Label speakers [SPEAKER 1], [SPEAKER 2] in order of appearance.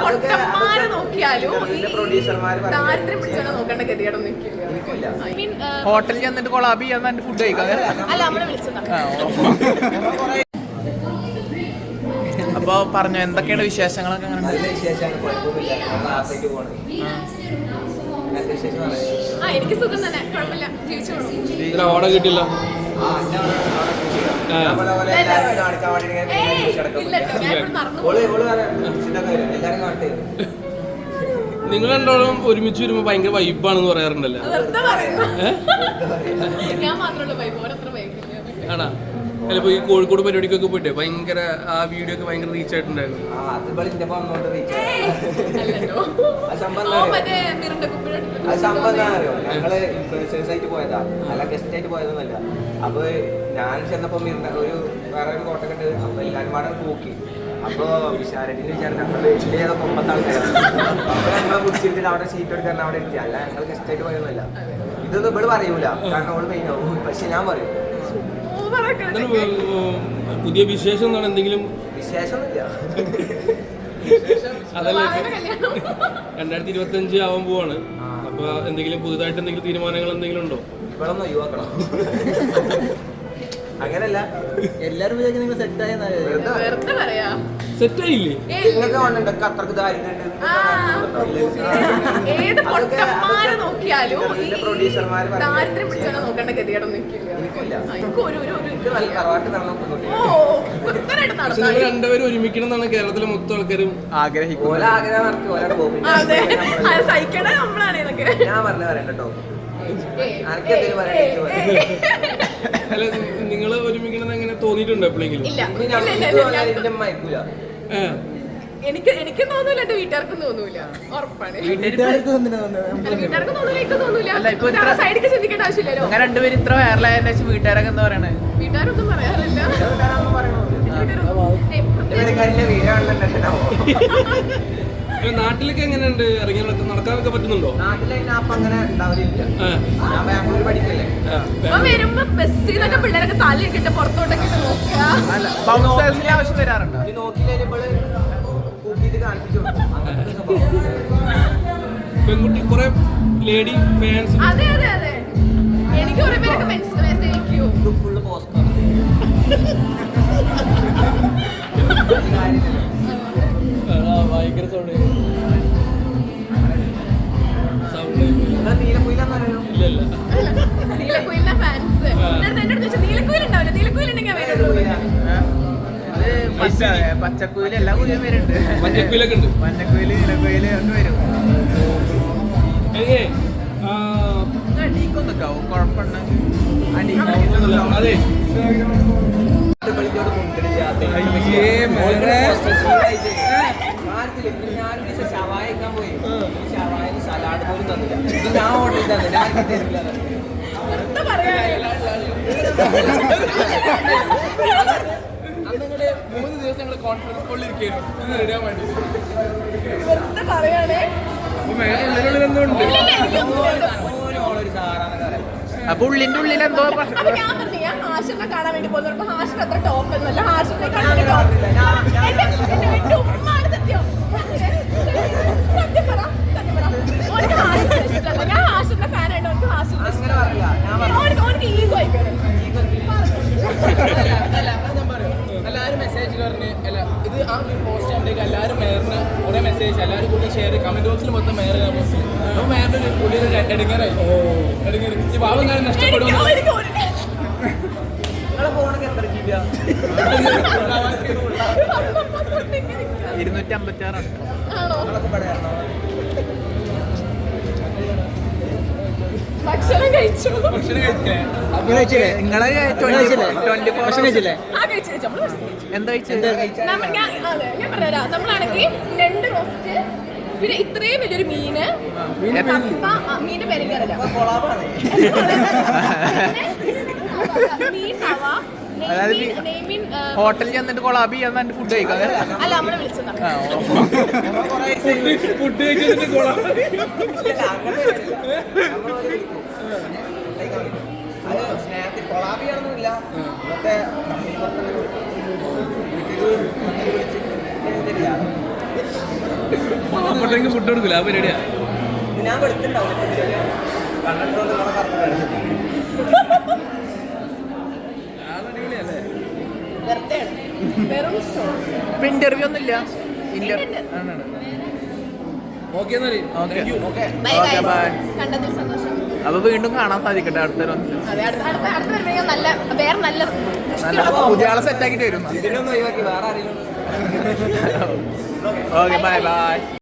[SPEAKER 1] നോക്കിയാലും ദാരിദ്ര്യം പിടിച്ചാൽ നോക്കേണ്ട ഗതികേടൊന്നും
[SPEAKER 2] ഹോട്ടലിൽ ചെന്നിട്ട് കൊളാബി ചെയ്യാൻ ഫുഡ് കഴിക്കാം.
[SPEAKER 1] അല്ല നമ്മളെ വിളിച്ചതാ.
[SPEAKER 2] അപ്പൊ പറഞ്ഞു എന്തൊക്കെയാണ് വിശേഷങ്ങളൊക്കെ?
[SPEAKER 1] എനിക്ക് സുഖം തന്നെ, കുഴപ്പമില്ല, ജീവിച്ചോളൂ.
[SPEAKER 3] ഓർഡർ കിട്ടില്ല. നിങ്ങൾ രണ്ടോളം ഒരുമിച്ച് വരുമ്പോ ഭയങ്കര വൈബാണെന്ന് പറയാറുണ്ടല്ലോ. ആണാ? അല്ല, ഇപ്പൊ ഈ കോഴിക്കോട് പരിപാടിക്കൊക്കെ പോയിട്ടേ ഭയങ്കര ആ വീഡിയോ ഒക്കെ ഭയങ്കര റീച്ച് ആയിട്ടുണ്ടായിരുന്നു.
[SPEAKER 4] ഞങ്ങള് ഇൻഫ്ലുവൻസേഴ്സ് ആയിട്ട് പോയതാ, അല്ല ഗസ്റ്റ് ആയിട്ട് പോയതൊന്നുമല്ല. അപ്പൊ ഞാൻ ചെന്നപ്പോ വേറെ ഒരു കോട്ടൊക്കെ ഉണ്ട്. അപ്പൊ എല്ലാരും പാടെ നോക്കി. അപ്പൊ വിശാരടിന് വിചാരം ഞങ്ങള് വലിയ 9 ആൾക്കാരാണ്. അപ്പൊ ഞങ്ങളെ കുടിച്ചിട്ട് അവിടെ സീറ്റ് എടുക്കാൻ അവിടെ എത്തി. അല്ല, ഞങ്ങൾ ഗസ്റ്റ് ആയിട്ട് പോയതൊന്നുമല്ല. ഇതൊന്നും ഇവിടെ പറയൂല, കാരണം അവള് മെയിൻ ആവും. പക്ഷെ ഞാൻ പറയും
[SPEAKER 3] പുതിയ വിശേഷം എന്നാണ് എന്തെങ്കിലും
[SPEAKER 4] വിശേഷമൊന്നുമില്ല.
[SPEAKER 3] അതല്ല, 2025 ആവാൻ പോവാണ്. അപ്പൊ എന്തെങ്കിലും പുതുതായിട്ട് എന്തെങ്കിലും തീരുമാനങ്ങൾ എന്തെങ്കിലും ഉണ്ടോ?
[SPEAKER 4] ഇവിടെ ഒന്ന് ഒഴിവാക്കണം. അങ്ങനല്ല, എല്ലാരും വിചാരിക്കും നിങ്ങൾ
[SPEAKER 3] സെറ്റായില്ലേ?
[SPEAKER 4] അത്രക്ക് ദാരിദ്ര്യം
[SPEAKER 1] നോക്കിയാലും ദാരിദ്ര്യം പിടിച്ചാൽ നോക്കേണ്ട ഗതികേടൊന്നും
[SPEAKER 3] രണ്ടുപേരും ഒരുമിക്കണം എന്നാണ് കേരളത്തിലെ മൊത്തം ആൾക്കാരും
[SPEAKER 4] ആഗ്രഹിക്കുന്നത്. ഞാൻ പറഞ്ഞു പറയണ്ടോ?
[SPEAKER 3] അല്ല, നിങ്ങള് ഒരുമിക്കണം എങ്ങനെ തോന്നിയിട്ടുണ്ടോ എപ്പോഴെങ്കിലും?
[SPEAKER 1] എനിക്ക് തോന്നൂല, എന്റെ വീട്ടുകാർക്കും തോന്നൂല, ഉറപ്പാണ്. വീട്ടുകാർക്കും തോന്നൂല, എനിക്ക് തോന്നൂല. സൈഡിക്ക് ചിന്തിക്കേണ്ട ആവശ്യമില്ലല്ലോ.
[SPEAKER 2] അങ്ങനെ രണ്ടുപേരും ഇത്ര വൈറലായതിനു ശേഷം വീട്ടുകാരൊക്കെ എന്താ പറയണേ?
[SPEAKER 1] വീട്ടുകാരൊന്നും പറയാറില്ല.
[SPEAKER 3] നാട്ടിലൊക്കെ എങ്ങനെയുണ്ട്? ഇറങ്ങി നടക്കാനൊക്കെ പറ്റുന്നുണ്ടോ?
[SPEAKER 1] വരുമ്പോ ബസ്സിൽ നിന്നൊക്കെ പിള്ളേരൊക്കെ തലയിട്ടിട്ട് പുറത്തോട്ടൊക്കെ നോക്കുക.
[SPEAKER 2] ആവശ്യം വരാറുണ്ടോ?
[SPEAKER 3] പെൺകുട്ടി കുറെ ലേഡി ഫാൻസ്.
[SPEAKER 1] അതെ അതെ അതെ, എനിക്ക് കുറെ പേരൊക്കെ മെസ്സേജ് അയക്കും.
[SPEAKER 4] ഫുള്ള് പോസ്റ്റ് ഭയങ്കര സൗണ്ട്.
[SPEAKER 1] നീലക്കുയിലിന്റെ ഫാൻസ് എന്റെ അടുത്ത് നീലക്കുയിൽ ഉണ്ടാവില്ല, നീലക്കുയിൽ
[SPEAKER 2] പച്ചക്കുയില് എല്ലാ കുയിലും വരുന്നുണ്ട്.
[SPEAKER 3] മഞ്ഞക്കുയിലൊക്കെ ഉണ്ട്.
[SPEAKER 2] മഞ്ഞക്കുയില്, നീലക്കുയില് ഒക്കെ വരും. അടിക്കൊന്നൊക്കാവും, കുഴപ്പമുണ്ടെങ്കിൽ
[SPEAKER 3] അതെ.
[SPEAKER 4] ഷവായിക്കാൻ പോയി, ഷവായി സലാഡ് പോലും തന്നില്ല. ഇത് ഞാൻ ഓർഡർ ചെയ്തത്, ഞാൻ തരില്ല.
[SPEAKER 3] അന്നിങ്ങടെ 3 ദിവസം ഞങ്ങൾ കോൺഫറൻസ് കോളിൽ ഇരിക്കുന്നു റെഡിയാൻ വേണ്ടി.
[SPEAKER 2] അപ്പൊ ഉള്ളിന്റെ ഉള്ളിൽ എന്തോ
[SPEAKER 1] കാണാൻ വേണ്ടി പോകുന്നു. ഹാഷിന് അത്ര ടോപ്പ് ഒന്നുമല്ല, ഹാഷിനെ സത്യം പറ, ഞാൻ ഹാഷിന്റെ ഫാൻ ആയിട്ട് ഓനക്ക് ഈഗോ ആയിക്കോട്ടെ.
[SPEAKER 3] എല്ലാവരും മെസ്സേജ് പറഞ്ഞ് ഇത് ആ പോസ്റ്റ് ആകുമ്പോഴേക്ക് എല്ലാവരും മേറിന് കുറെ മെസ്സേജ് എല്ലാവരും കൂടി ഷെയർ കമന്റ് ബോക്സിൽ മൊത്തം മേറിന് പോസ്റ്റ്. അപ്പോൾ മേറിന്റെ പുള്ളിയൊരു എടുങ്ങാറായി. ഈ ഭാവം ഞാൻ നഷ്ടപ്പെടും.
[SPEAKER 2] 256
[SPEAKER 1] ഭക്ഷണം കഴിച്ചു.
[SPEAKER 2] നിങ്ങളെ എന്താ
[SPEAKER 1] ഞാൻ പറഞ്ഞുതരാം. നമ്മളാണെങ്കിൽ 2 റോസ്റ്റ്, പിന്നെ ഇത്രയും വലിയൊരു മീന്, മീന്റെ പേരെനിക്കറിയില്ല, മീൻ തവ,
[SPEAKER 2] ഹോട്ടലിൽ ചെന്നിട്ട് കൊളാബി ചെയ്യാൻ ഫുഡ് കഴിക്കാം.
[SPEAKER 1] അല്ല നമ്മളെ വിളിച്ചതാ.
[SPEAKER 3] ഫുഡ് കഴിച്ചിട്ട്
[SPEAKER 4] സ്നേഹത്തിൽ കൊളാബിയാണെന്നില്ല. ഇന്നത്തെ വീട്ടിൽ
[SPEAKER 3] അപ്പോഴത്തേക്ക് ഫുഡ് കൊടുക്കില്ല ആ പരിപാടിയാ
[SPEAKER 4] ഞാൻ വെളുത്തുണ്ടാവും കണ്ടിട്ടുണ്ടോ
[SPEAKER 3] അടിപൊളിയല്ലേ
[SPEAKER 1] വെറും ഷോ.
[SPEAKER 2] ഇപ്പൊ ഇന്റർവ്യൂ ഒന്നും ഇല്ല
[SPEAKER 3] ഓക്കെ എന്നാല്
[SPEAKER 2] ഓക്കെ
[SPEAKER 1] ബൈ
[SPEAKER 2] ഓക്കെ ബൈ.
[SPEAKER 1] കണ്ടതിൽ സന്തോഷം.
[SPEAKER 2] അപ്പൊ വീണ്ടും കാണാൻ സാധിക്കട്ടെ അടുത്തൊരു
[SPEAKER 1] അതെ അടുത്ത വരുമ്പോൾ നല്ല വേറെ നല്ല
[SPEAKER 2] നല്ല പുതിയ ആളെ സെറ്റ് ആക്കിട്ട് വരും
[SPEAKER 4] ഇതിനൊന്നും ഒഴിവാക്കി വേറെ ആരെങ്കിലും
[SPEAKER 2] ഓക്കെ ബൈ ബൈ.